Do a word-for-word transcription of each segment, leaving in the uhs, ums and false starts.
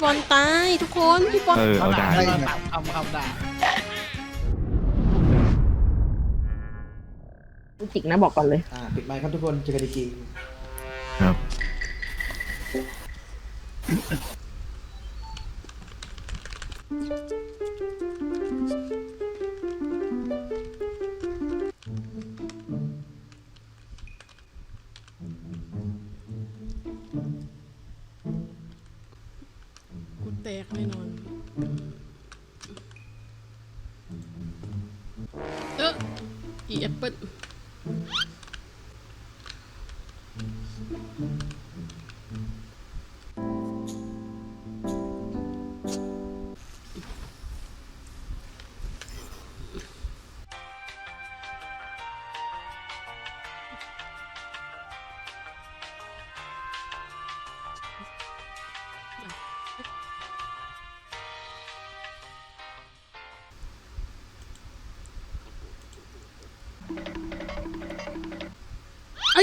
บอลตายทุกคนพี่บอลเออเอาด่าได้มาทำคำด่าจิกนะบอกก่อนเลยอ่าปิดไมค์ครับทุกคนเจอกันอีกทีครับกูแตกแน่นอนเอออีแอปเปิ้ลไอ้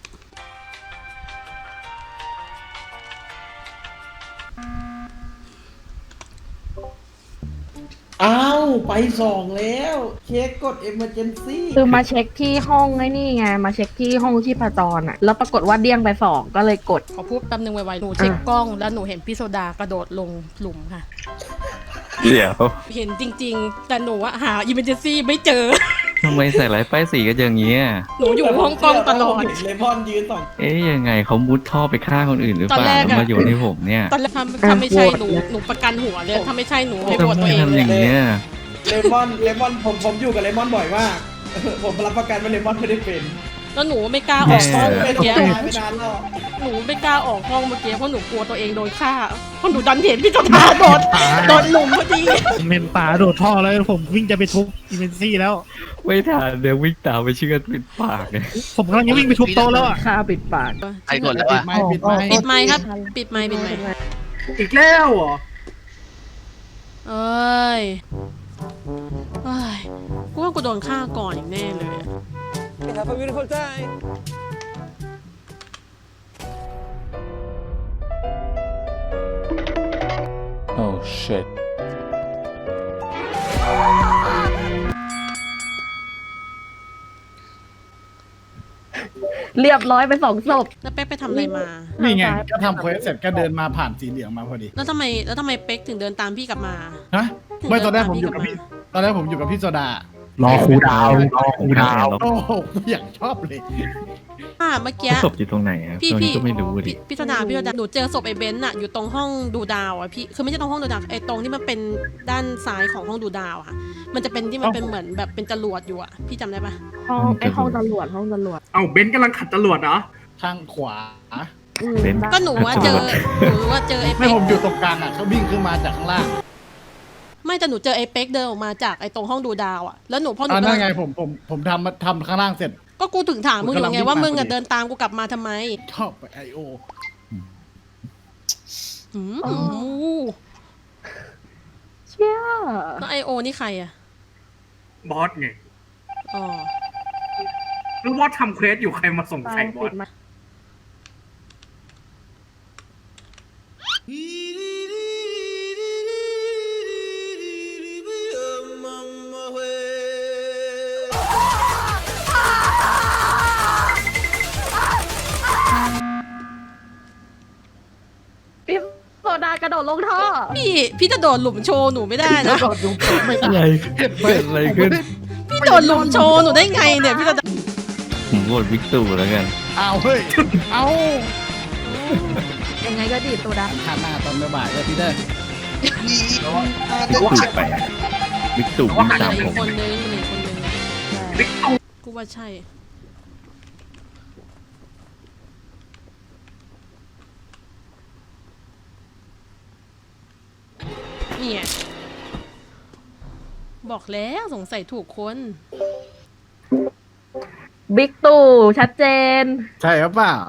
อ้าวไปสองแล้วเช็คกด emergency คือมาเช็คที่ห้องไอ้นี่ไงมาเช็คที่ห้องชีพจรอ่ะแล้วปรากฏว่าเดี้ยงไปสองก็เลยกดขอพูดแป๊บนึงไวๆหนูเช็คกล้องแล้วหนูเห็นพี่โซดากระโดดลงหลุมค่ะเดี๋ยวเห็นจริงๆ แต่หนูอะหาอิมเมอร์เจนซี่ไม่เจอทำไมใส่ร้ายป้ายสีกันอย่างเงี้ยหนูอยู่ห้องกล้องตลอดเลมอนยืนสองเอ๊ยยังไงเขามุดท่อไปฆ่าคนอื่นหรือเปตอนล่าแรกแล้วอะมาโยนให้ผมเนี่ยตอนแรกถ้าถ้าไม่ใช่หนูหนูประกันหัวเลยถ้าไม่ใช่หนูให้โหวตทำไมตัวเองทำเลอย ย่างเงี้ยเลมอนเลมอนผมผมอยู่กับเลมอนบ่อยมาก ผมรับประกันว่าเลมอนไม่ได้เป็นแล้วหนูไม่กล้าออกห้องไม่เมื่อต้องกี้ตายไม่นานหรอกหนูไม่กล้าออกห้องเมื่อกี้เพราะหนูกลัวตัวเองโดนฆ่าเพราะหนูดันเห็นพี่โซดาโดดโดดหลุมพอดีผมเห็นป๋าโดดท่อแล้วผมวิ่งจะไปทุบอีเวนซี่แล้วไม่ทันเดี๋ยววิ่งตามไปเชื่อดปิดปากเลยผมกำลังจะวิ่งไปทุบโต๊ะแล้วอ่ะค่าปิดปากใครกดแล้วปิวะดไมค์ปิดไมค์ปิดไมค์ครับ ปิดไมค์ปิดไมค์อีกแล้วเหรอเอ้ยเอ้ยกูว่ากูโดนฆ่าก่อนอีกแน่เลยอะ Have a beautiful time. Oh shit. เรียบร้อยไปสองศพแล้วเป๊กไปทำอะไรมานี่ไงก็ทำเควสเสร็จก็เดินมาผ่านสีเหลืองมาพอดีแล้วทำไมแล้วทำไมเป๊กถึงเดินตามพี่กลับมาฮะไม่ตอนแรกผมอยู่กับพี่ตอนแรกผมอยู่กับพี่โซดารอครูดาวรอครูดาวโอ้โหอยากชอบเลยอ่าเมื่อกี้ศพอยู่ตรงไหนอะพี่ตรงพี่นี้ก็ไม่รู้ดิพี่พี่ธนาพี่ธนาหนูเจอศพไอ้เบนซ์อะอยู่ตรงห้องดูดาวอะพี่คือไม่ใช่ตรงห้องดูดาวไอ้ตรงที่มันเป็นด้านซ้ายของห้องดูดาวอะมันจะเป็นที่มันเป็นเหมือนแบบเป็นจรวดอยู่อะพี่จำได้ปะห้องไอห้องตำรวจห้องตำรวจเอ้าเบนซ์กำลังขัดจรวดเหรอทางขวาอืมเป็นก็หนูว่าเจอหนูว่าเจอไอ้ไม่เป๊กผมอยู่ตรงกลางอ่ะเขาวิ่งขึ้นมาจากข้างล่างไม่แต่หนูเจอไอ้เป๊กเดินออกมาจากไอ้ตรงห้องดูดาวอะแล้วหนูพอหนูอ่าเดินั่นนไงผมผมผมทำทำข้างล่างเสร็จก็กูถึงถามมึงอยู่ไงว่าผมกำลังวิ่งมึงอะมาพอดีเดินตามกูกลับมาทำไมชอบไปไอโออืมเชี่ยแล้วไอโอนี่ใครอะบอสไงอ๋อรู้ว่าทำเควสอยู่ใครมาส่งไปใส่บอปิสดมา พี่โซดากระโดดลงท่อพี่พี่จะโดดหลุมโชว์หนูไม่ได้นะไม่อะไรเห็นไหมเกิดอะไรขึ้นพี่โดดหลุมโชว์หนูได้ไงเนี่ยพี่จะผมโหวตวิกตูแล้วกันเอาเฮ้ยเอายังไงก็ดีดโซดาทานหน้าตอนบ่ายๆเลยพี่เด้อวิกตูไปวิกตูวิ่งตามมีผมคนนึงมีคนนึงบิ๊กตูกูว่าใช่เนี่ยบอกแล้วสงสัยถูกคนบิ๊กตู่ชัดเจนใช่หรือเปล่า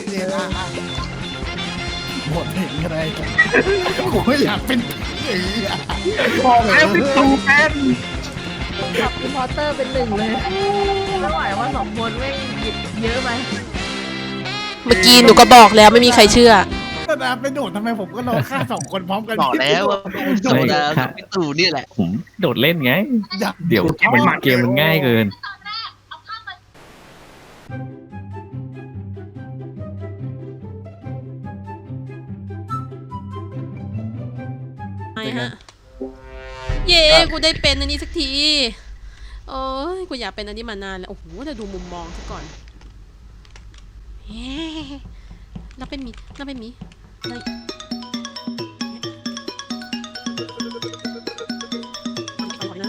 หมดเห็นอะไรกูไม่อยากเป็นผีอะบอกแล้วบิ๊กตูเป็นกับอินพอร์เตอร์เป็นหนึ่งเลยไม่ไหวว่าสองคนไม่หยิบเยอะไหมเมื่อกี้หนูก็บอกแล้วไม่มีใครเชื่อก็ษดาไปโดดทำไมผมก็รอฆ่าสองคนพร้อมกันบอกแล้วว่าโดดากับพี่ตู่นี่แหละผมโดดเล่นไงอยากเดี๋ยวมันเกมมันง่ายเกินไงฮะ เย้กูได้เป็นอันนี้สักทีโอ้ยกูอยากเป็นอันนี้มานานแล้วโอ้โหแต่ดูมุมมองซะก่อนเฮ้แล้วเป็นมีแล้วเป็นมีแล้วก่อนนะ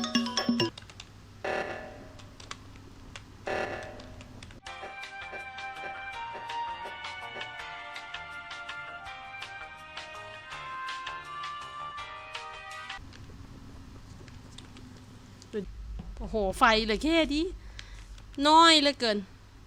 โอ้โหไฟเหลยแค่ดิน้อยเหลือเกิน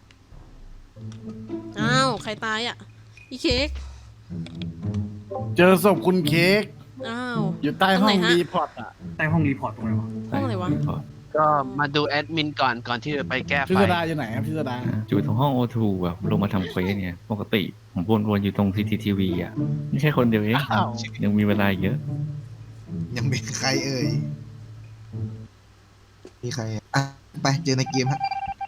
อ้าวใครตายอ่ะอีเค้กเจอศพคุณเค้กอ้าวอยู่ใต้ห้องตรงไหนฮะรีพอร์ตอ่ะใต้ห้องรีพอร์ตตรงไหนวะห้องอะไรวะก็มาดูแอดมินก่อนก่อนที่จะไปแก้ไฟพิสดาอยู่ไหนครับพิสดาอยู่ตรงห้องโอทูอะลงมาทำเควสเนี่ยปกติผมวนๆอยู่ตรงซีทีทีวีอะไม่ใช่คนเดียวเองอ้าวยังมีเวลาอีกเยอะยังมีใครเอ่ย มีใครอ่ะอ่ะไปเจอในเกมฮะ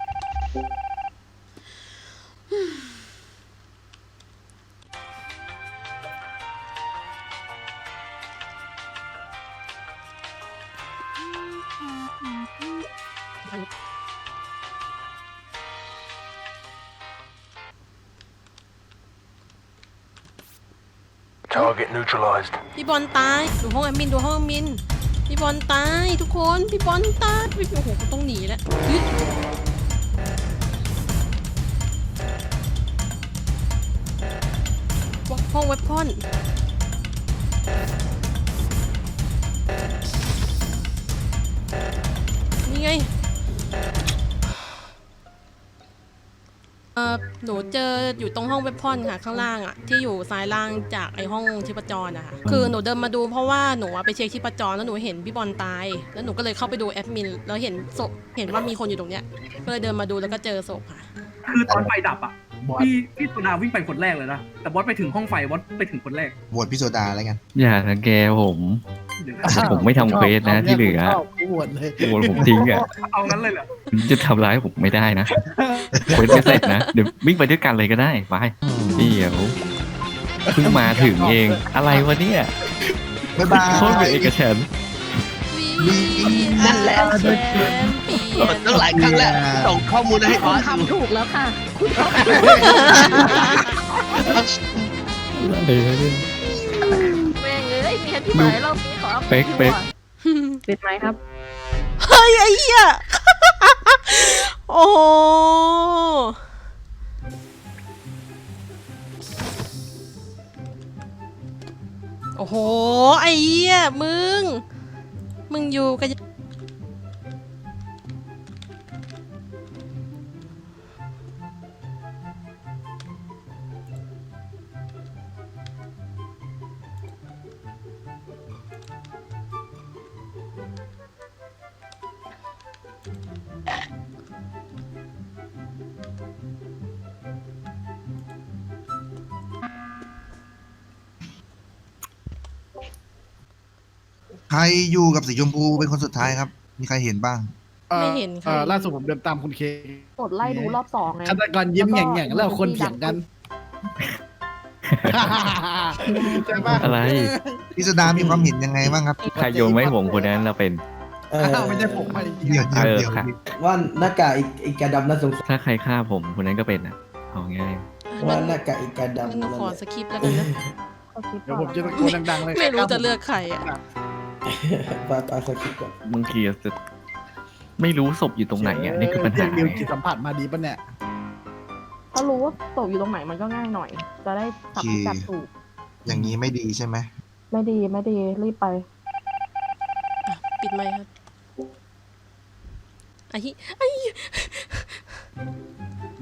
Target neutralized. พี่บอลตายดูห้องแอดมินดูห้องแอดมินพี่บอลตายทุกคนพี่บอลตายพี่โอ้โหกูต้องหนีแล้วยึดห้องเว็บพอนนี่ไงเออหนูเจออยู่ตรงห้องเว็บพอนค่ะข้างล่างอะที่อยู่ซ้ายล่างจากไอห้องชีพจรนะคะคือหนูเดินมาดูเพราะว่าหนูอะไปเช็คชีพจรแล้วหนูเห็นพี่บอลตายแล้วหนูก็เลยเข้าไปดูแอดมินแล้วเห็นศพเห็นว่ามีคนอยู่ตรงเนี้ยก็เลยเดินมาดูแล้วก็เจอศพค่ะคือตอนไฟดับอ่ะบอสพี่พี่โซดาวิ่งไปคนแรกเลยนะ แต่บอสไปถึงห้องไฟบอสไปถึงคนแรกโหวตพี่โซดาแล้วกันอย่าทังแกผมเดี๋ยวผมไม่ทำเควสนะที่เหลือชอบกูโหวตเลยโวนผมทิ้งอะเอางั้นเลยเหรอจะทำร้ายผมไม่ได้นะเควสไม่เสร็จนะเดี๋ยววิ่งไปด้วยกันเลยก็ได้ไปเดี๋ยวเพิ่งมาถึงเองอะไรวะเนี่ยบ๊ายบายโคตรเป็นเอกฉันท์นั่นแหละแชมเปี้ยนตั้งหลายครั้งแล้วส่งข้อมูลให้บอสดูทำถูกแล้วค่ะคุณทอะไรวะเนี่ยำแม่งเอ้ยมีแค่ที่ไหนรอบนี้ขอเอาเป๊กเป๊กปิดไหมครับเฮ้ยไอ้เหี้ยโอ้โหโอ้โหไอ้เหี้ยมึงมึงอยู่กันใครอยู่กับสีชมพูเป็นคนสุดท้ายครับ มีใครเห็นบ้างไม่เห็นเอ่ค่ะอล่าสุดผมเดินตามคุณเค้กกดไล่ดูรอบสองไงฆาตกรยิ้มแง่งๆแล้วคนเถียงกันใช่ปะอะไรพี่โซดามีความเห็นยังไงบ้างครับใครโยนไม่ผมคนนั้นเราเป็นเอออ้าวไม่ใช่ผมไม่จริงเดี๋ยวๆเดี๋ยวเออเดี๋ยวค่ะว่าหน้ากากอีกอีกาดำน่าสงสารถ้าใครฆ่าผมคนนั้นก็เป็นอ่ะเอาง่ายว่าหน้ากากอีกาดำงั้นหนูนั่นขอแหละสคริปต์แล้วกันนะขอคิดเดี๋ยวก่ผอนมจะตะโกนดังๆเลยไม่รู้จะเลือกใครอ่ะปาปาสกิปก่อนบางทีจะไม่รู้ศพอยู่ตรงไหนอ่ะนี่คือปัญหาเดียวจิตสัมผัสมาดีปะเนี่ยถ้ารู้ว่าตกอยู่ตรงไหนมันก็ง่ายหน่อย จะได้จับพิกัดถูกอย่างนี้ไม่ดีใช่ไหมไม่ดีไม่ดีรีบไปปิดไมค์ครับไอ้เหี้ยไอ้เหี้ย